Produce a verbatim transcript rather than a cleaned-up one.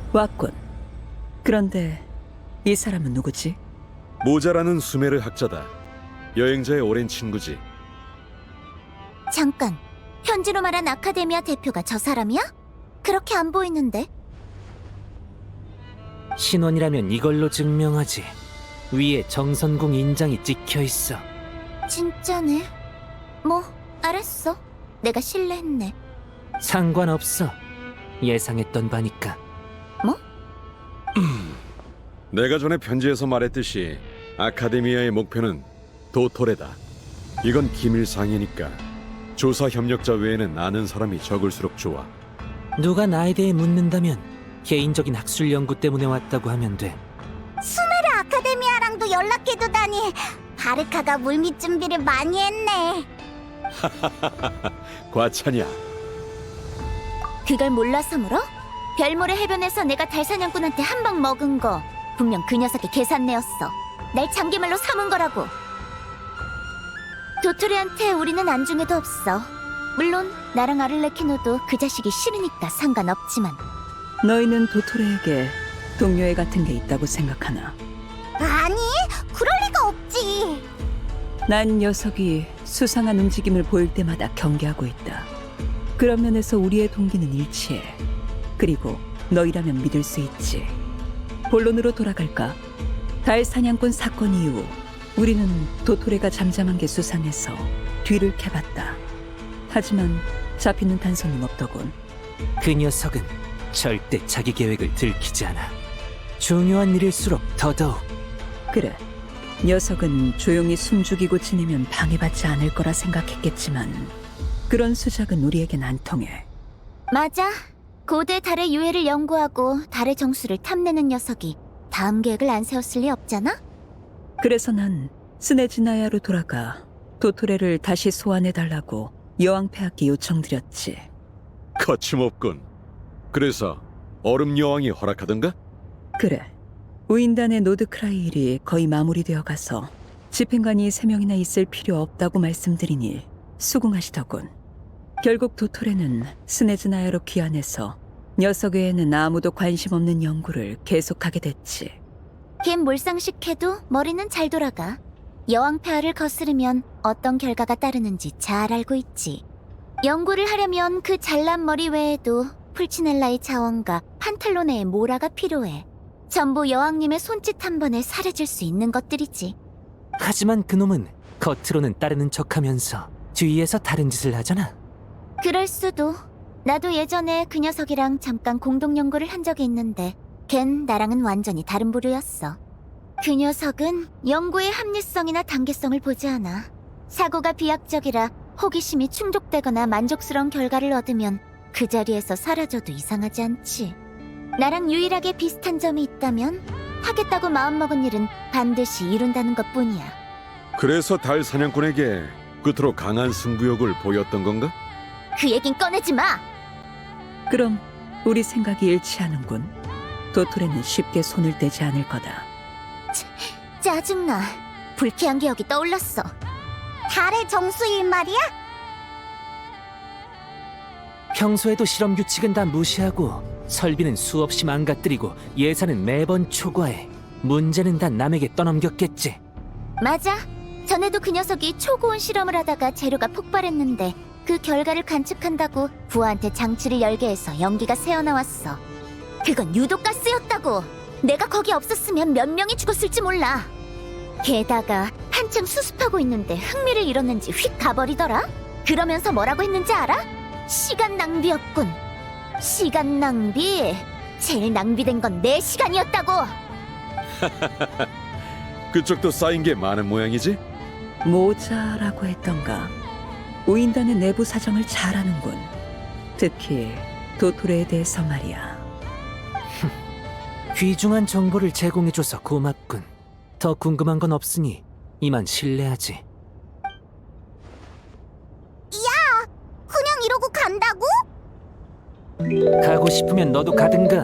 왔군. 그런데 이 사람은 누구지? 모자라는 수메르 학자다. 여행자의 오랜 친구지. 잠깐, 현지로 말한 아카데미아 대표가 저 사람이야? 그렇게 안 보이는데? 신원이라면 이걸로 증명하지. 위에 정선궁 인장이 찍혀 있어. 진짜네. 뭐, 알았어. 내가 실례했네. 상관없어. 예상했던 바니까. 뭐? 내가 전에 편지에서 말했듯이 아카데미아의 목표는 도토레다. 이건 기밀상이니까 조사 협력자 외에는 아는 사람이 적을수록 좋아. 누가 나에 대해 묻는다면 개인적인 학술 연구 때문에 왔다고 하면 돼. 수메르 아카데미아랑도 연락해두다니. 바르카가 물밑 준비를 많이 했네. 과찬이야. 그걸 몰라서 물어? 별모래 해변에서 내가 달사냥꾼한테 한 방 먹은 거 분명 그 녀석의 계산내였어. 날 장기말로 삼은 거라고. 도토리한테 우리는 안중에도 없어. 물론 나랑 아를레키노도 그 자식이 싫으니까 상관없지만. 너희는 도토레에게 동료애 같은 게 있다고 생각하나? 아니, 그럴 리가 없지. 난 녀석이 수상한 움직임을 보일 때마다 경계하고 있다. 그런 면에서 우리의 동기는 일치해. 그리고 너희라면 믿을 수 있지. 본론으로 돌아갈까? 달 사냥꾼 사건 이후 우리는 도토레가 잠잠한 게 수상해서 뒤를 캐봤다. 하지만 잡히는 단서는 없더군. 그 녀석은 절대 자기 계획을 들키지 않아. 중요한 일일수록 더더욱. 그래, 녀석은 조용히 숨죽이고 지내면 방해받지 않을 거라 생각했겠지만 그런 수작은 우리에겐 안 통해. 맞아. 고대 달의 유해를 연구하고 달의 정수를 탐내는 녀석이 다음 계획을 안 세웠을 리 없잖아? 그래서 난 스네지나야로 돌아가 도토레를 다시 소환해달라고 여왕폐하께 요청드렸지. 거침없군. 그래서 얼음 여왕이 허락하던가? 그래, 우인단의 노드크라이 일이 거의 마무리되어 가서 집행관이 세 명이나 있을 필요 없다고 말씀드리니 수긍하시더군. 결국 도토레는 스네즈나야로 귀환해서 녀석 외에는 아무도 관심 없는 연구를 계속하게 됐지. 걔 몰상식해도 머리는 잘 돌아가. 여왕폐하를 거스르면 어떤 결과가 따르는지 잘 알고 있지. 연구를 하려면 그 잘난 머리 외에도 풀치넬라의 자원과 판탈로네의 모라가 필요해. 전부 여왕님의 손짓 한 번에 사라질 수 있는 것들이지. 하지만 그놈은 겉으로는 따르는 척하면서 뒤에서 다른 짓을 하잖아. 그럴 수도. 나도 예전에 그 녀석이랑 잠깐 공동 연구를 한 적이 있는데 걘 나랑은 완전히 다른 부류였어. 그 녀석은 연구의 합리성이나 단계성을 보지 않아. 사고가 비약적이라 호기심이 충족되거나 만족스러운 결과를 얻으면 그 자리에서 사라져도 이상하지 않지. 나랑 유일하게 비슷한 점이 있다면 하겠다고 마음먹은 일은 반드시 이룬다는 것뿐이야. 그래서 달 사냥꾼에게 끝으로 강한 승부욕을 보였던 건가? 그 얘긴 꺼내지 마! 그럼 우리 생각이 일치하는군. 도토레는 쉽게 손을 떼지 않을 거다. 짜증나. 불쾌한 기억이 떠올랐어. 달의 정수일 말이야? 평소에도 실험 규칙은 다 무시하고 설비는 수없이 망가뜨리고 예산은 매번 초과해. 문제는 다 남에게 떠넘겼겠지. 맞아. 전에도 그 녀석이 초고온 실험을 하다가 재료가 폭발했는데 그 결과를 관측한다고 부하한테 장치를 열게 해서 연기가 새어나왔어. 그건 유독가스였다고. 내가 거기 없었으면 몇 명이 죽었을지 몰라. 게다가 한참 수습하고 있는데 흥미를 잃었는지 휙 가버리더라. 그러면서 뭐라고 했는지 알아? 시간 낭비였군. 시간 낭비? 제일 낭비된 건 내 시간이었다고. 그쪽도 쌓인 게 많은 모양이지? 모자라고 했던가. 우인단의 내부 사정을 잘 아는군. 특히 도토레에 대해서 말이야. 귀중한 정보를 제공해줘서 고맙군. 더 궁금한 건 없으니 이만 실례하지. 그냥 이러고 간다고? 가고 싶으면 너도 가든가.